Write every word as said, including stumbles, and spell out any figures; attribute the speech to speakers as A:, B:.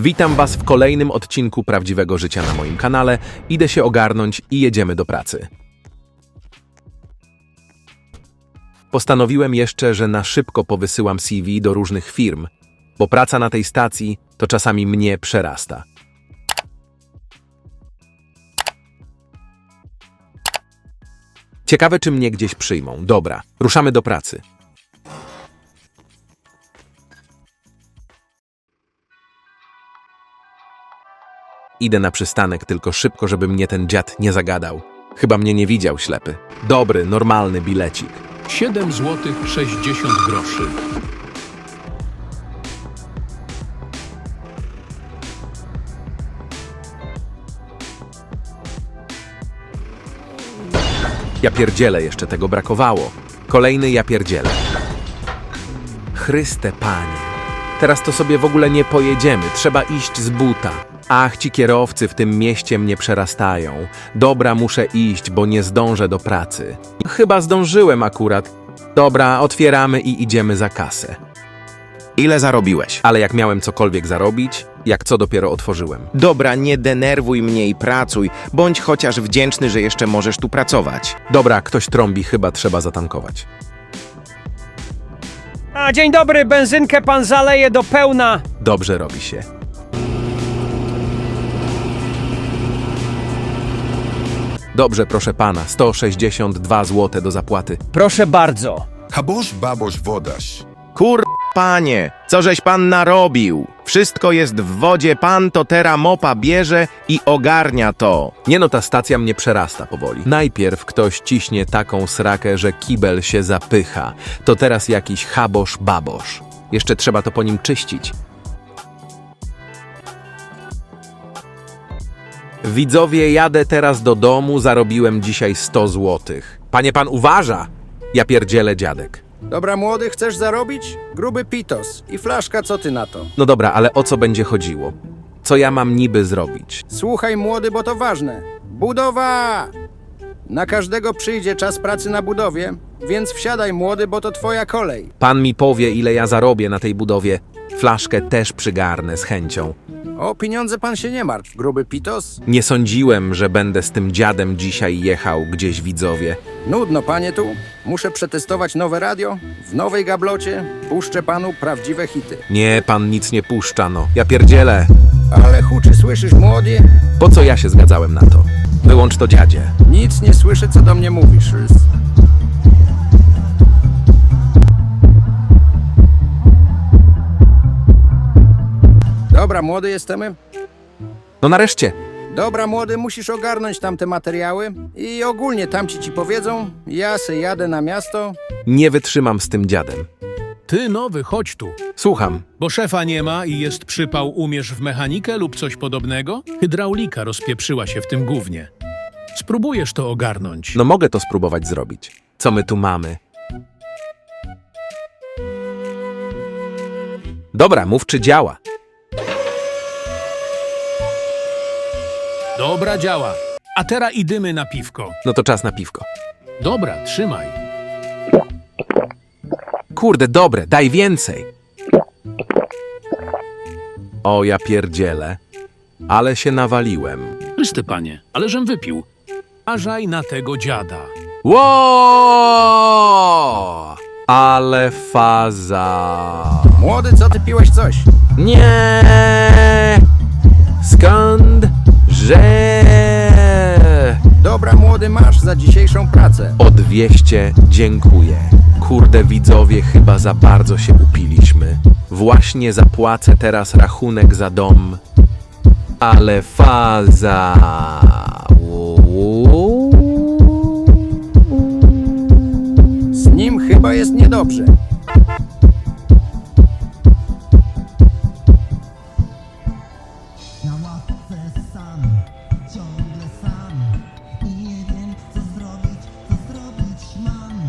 A: Witam Was w kolejnym odcinku Prawdziwego Życia na moim kanale. Idę się ogarnąć i jedziemy do pracy. Postanowiłem jeszcze, że na szybko powysyłam C V do różnych firm, bo praca na tej stacji to czasami mnie przerasta. Ciekawe, czy mnie gdzieś przyjmą. Dobra, ruszamy do pracy. Idę na przystanek, tylko szybko, żeby mnie ten dziad nie zagadał. Chyba mnie nie widział, ślepy. Dobry, normalny bilecik.
B: siedem złotych sześćdziesiąt groszy.
A: Ja pierdzielę, jeszcze tego brakowało. Kolejny ja pierdzielę. Chryste Panie. Teraz to sobie w ogóle nie pojedziemy, trzeba iść z buta. Ach, ci kierowcy w tym mieście mnie przerastają. Dobra, muszę iść, bo nie zdążę do pracy. Chyba zdążyłem akurat. Dobra, otwieramy i idziemy za kasę.
C: Ile zarobiłeś?
A: Ale jak miałem cokolwiek zarobić, jak co dopiero otworzyłem.
C: Dobra, nie denerwuj mnie i pracuj. Bądź chociaż wdzięczny, że jeszcze możesz tu pracować.
A: Dobra, ktoś trąbi, chyba trzeba zatankować.
D: A, dzień dobry, benzynkę pan zaleje do pełna.
A: Dobrze robi się. Dobrze, proszę pana, sto sześćdziesiąt dwa złote do zapłaty.
D: Proszę bardzo.
E: Habosz, babosz, wodasz.
C: Kur... Panie, co żeś pan narobił? Wszystko jest w wodzie, pan to tera mopa bierze i ogarnia to.
A: Nie no, ta stacja mnie przerasta powoli. Najpierw ktoś ciśnie taką srakę, że kibel się zapycha. To teraz jakiś habosz babosz. Jeszcze trzeba to po nim czyścić. Widzowie, jadę teraz do domu, zarobiłem dzisiaj sto złotych. Panie pan uważa? Ja pierdzielę, dziadek.
F: Dobra, młody, chcesz zarobić? Gruby pitos i flaszka, co ty na to?
A: No dobra, ale o co będzie chodziło? Co ja mam niby zrobić?
F: Słuchaj, młody, bo to ważne. Budowa! Na każdego przyjdzie czas pracy na budowie, więc wsiadaj, młody, bo to twoja kolej.
A: Pan mi powie, ile ja zarobię na tej budowie. Flaszkę też przygarnę z chęcią.
F: O pieniądze pan się nie martw, gruby pitos.
A: Nie sądziłem, że będę z tym dziadem dzisiaj jechał gdzieś, widzowie.
F: Nudno, panie, tu. Muszę przetestować nowe radio. W nowej gablocie puszczę panu prawdziwe hity.
A: Nie, pan nic nie puszcza, no. Ja pierdzielę.
F: Ale huczy, słyszysz, młody?
A: Po co ja się zgadzałem na to? Wyłącz to, dziadzie.
F: Nic nie słyszę, co do mnie mówisz. Dobra, młody, jesteśmy?
A: No nareszcie.
F: Dobra, młody, musisz ogarnąć tamte materiały i ogólnie tamci ci powiedzą, ja se jadę na miasto.
A: Nie wytrzymam z tym dziadem.
B: Ty nowy, chodź tu.
A: Słucham.
B: Bo szefa nie ma i jest przypał, umiesz w mechanikę lub coś podobnego? Hydraulika rozpieprzyła się w tym gównie. Spróbujesz to ogarnąć.
A: No mogę to spróbować zrobić. Co my tu mamy? Dobra, mów, czy działa.
B: Dobra, działa. A teraz idymy na piwko.
A: No to czas na piwko.
B: Dobra, trzymaj.
A: Kurde, dobre, daj więcej. O, ja pierdzielę. Ale się nawaliłem.
B: Chryste panie, ale żem wypił. Ażaj na tego dziada.
A: Ło! Ale faza.
F: Młody, co ty piłeś coś?
A: Nie! Skąd? Że...
F: Dobra, młody, masz za dzisiejszą pracę.
A: O dwieście dziękuję. Kurde, widzowie, chyba za bardzo się upiliśmy. Właśnie zapłacę teraz rachunek za dom. Ale faza.